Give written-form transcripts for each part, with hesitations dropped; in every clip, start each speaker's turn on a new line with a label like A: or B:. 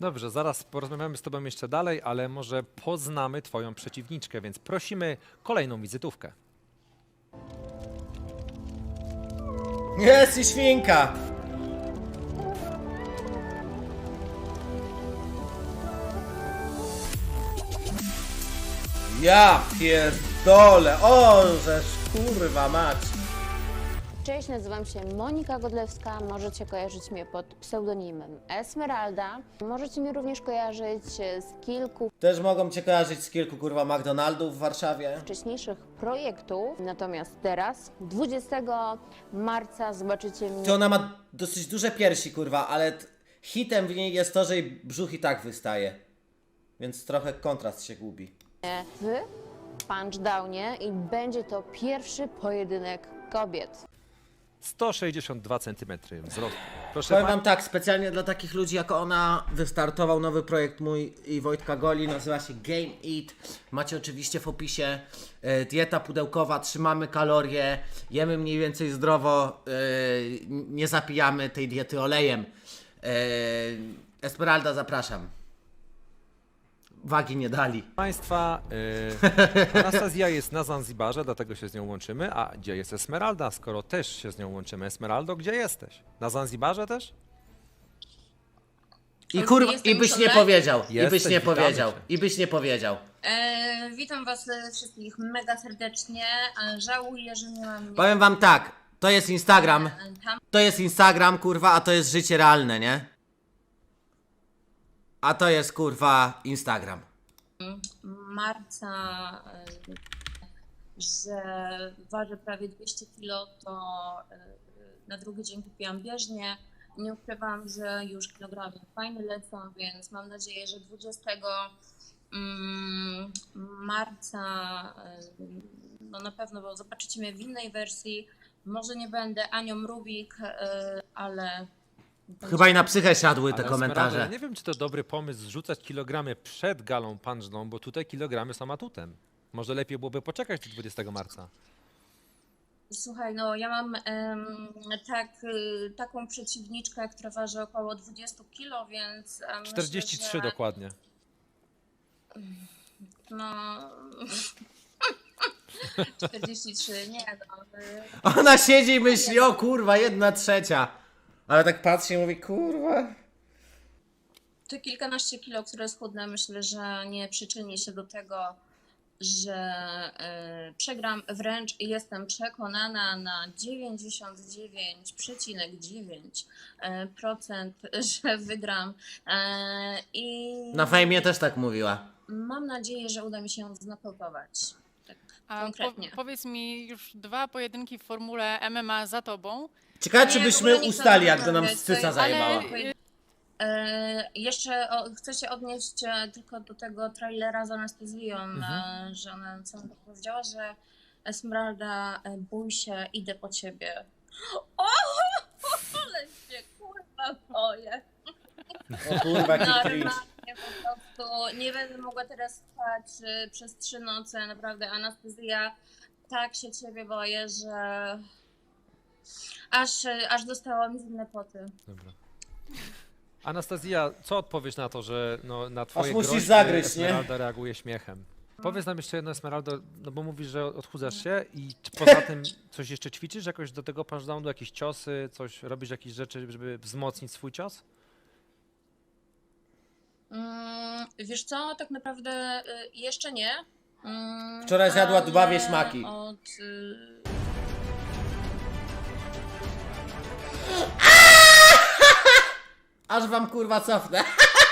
A: Dobrze, zaraz porozmawiamy z tobą jeszcze dalej, ale może poznamy twoją przeciwniczkę, więc prosimy kolejną wizytówkę.
B: Jest i świnka! Ja pierdolę! O, żeż kurwa mać!
C: Cześć, nazywam się Monika Godlewska, możecie kojarzyć mnie pod pseudonimem Esmeralda. Możecie mnie również kojarzyć z kilku
B: Też mogą cię kojarzyć z kilku kurwa McDonaldów w Warszawie.
C: wcześniejszych projektów, natomiast teraz, 20 marca, zobaczycie mnie
B: To ona ma dosyć duże piersi kurwa, ale hitem w niej jest to, że jej brzuch i tak wystaje. Więc trochę kontrast się gubi.
C: w Punchdownie i będzie to pierwszy pojedynek kobiet.
A: 162 cm wzrostu. Proszę
B: Powiem wam tak, specjalnie dla takich ludzi jak ona wystartował nowy projekt mój i Wojtka Goli, nazywa się Game Eat. Macie oczywiście w opisie dieta pudełkowa, trzymamy kalorie, jemy mniej więcej zdrowo, nie zapijamy tej diety olejem. Esmeralda, zapraszam. Wagi nie dali.
A: Państwa, Anastazja jest na Zanzibarze, dlatego się z nią łączymy. A gdzie jest Esmeralda, skoro też się z nią łączymy? Esmeraldo, gdzie jesteś? Na Zanzibarze też?
B: I kurwa,
D: Jestem
B: i byś
D: już
B: nie
D: online?
B: powiedział, i
A: Jesteś,
B: byś nie
A: witamy
B: powiedział,
A: cię.
B: i byś nie powiedział.
D: Witam was wszystkich mega serdecznie. Żałuję, że nie mam
B: Powiem wam tak, to jest Instagram.
D: tam.
B: To jest Instagram, kurwa, a to jest życie realne, nie? A to jest, kurwa, Instagram.
D: Marca, że ważę prawie 200 kg, to na drugi dzień kupiłam bieżnię. Nie ukrywam, że już kilogramy fajnie lecą, więc mam nadzieję, że 20 marca no na pewno, bo zobaczycie mnie w innej wersji. Może nie będę Anią Rubik, ale
B: Chyba i na psychę siadły te
A: Ale
B: komentarze.
A: Esmeraldo, ja nie wiem, czy to dobry pomysł zrzucać kilogramy przed galą punchną, bo tutaj kilogramy są atutem. Może lepiej byłoby poczekać do 20 marca.
D: słuchaj, no ja mam taką przeciwniczkę, która waży około 20 kg, więc
A: 43
D: myślę, że,
A: dokładnie.
D: no 43, nie no.
B: Ona siedzi i myśli, o kurwa, 1/3. Ale tak patrzy i mówi, kurwa.
D: Te kilkanaście kilo, które schudnę, myślę, że nie przyczyni się do tego, że przegram. Wręcz jestem przekonana na 99,9%, że wygram. I
B: Na fejmie też tak mówiła.
D: mam nadzieję, że uda mi się ją znokautować. Tak
E: A
D: konkretnie.
E: powiedz mi, już 2 pojedynki w formule MMA za tobą.
B: Ciekawe,
D: Nie,
B: czy
D: w
B: byśmy
D: ogóle nie chcę
B: ustali, jak to nam
D: rozmawiać,
B: scyca
D: to-
B: zajebała.
D: Jeszcze chcę się odnieść tylko do tego trailera z Anastazją, że ona co powiedziała, że Esmeralda, bój się, idę po ciebie. O, ale się kurwa boję.
B: O kurwa, jaki cringe.
D: Normalnie po prostu nie będę mogła teraz spać przez 3 noce, naprawdę Anastazja, tak się ciebie boję, że aż dostała mi zimne poty.
A: Dobra. Anastazja, co odpowiesz na to, że no, na twoje
B: musisz
A: groźby
B: zagryźć, nie?
A: Esmeralda reaguje śmiechem? Powiedz nam jeszcze jedno, Esmeraldo, no bo mówisz, że odchudzasz się i czy poza tym coś jeszcze ćwiczysz jakoś do tego punchdownu, jakieś ciosy, coś, robisz jakieś rzeczy, żeby wzmocnić swój cios?
D: Wiesz co, tak naprawdę jeszcze nie.
B: Wczoraj zjadła 2
D: ale
B: wieśmaki. Aż wam kurwa cofnę.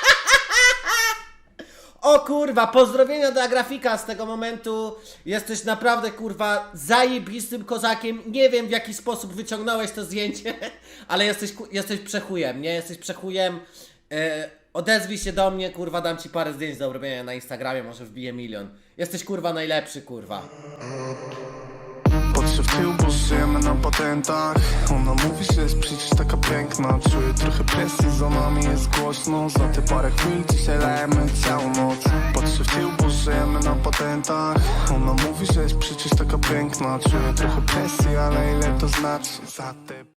B: O kurwa, pozdrowienia dla grafika z tego momentu. Jesteś naprawdę kurwa zajebistym kozakiem. Nie wiem, w jaki sposób wyciągnąłeś to zdjęcie, ale jesteś przechujem, nie? Jesteś przechujem. Odezwij się do mnie, kurwa, dam ci parę zdjęć do robienia na Instagramie, może wbiję 1 000 000. Jesteś kurwa najlepszy, kurwa.
F: Patrzę w tył, bo żyjemy na patentach. Ona mówi, że jest przecież taka piękna. Czuję trochę presji, za nami jest głośno. Za te parę chwil dzisiaj lejemy całą noc. Patrzę w tył, bo żyjemy na patentach. Ona mówi, że jest przecież taka piękna. Czuję trochę presji, ale ile to znaczy? Za te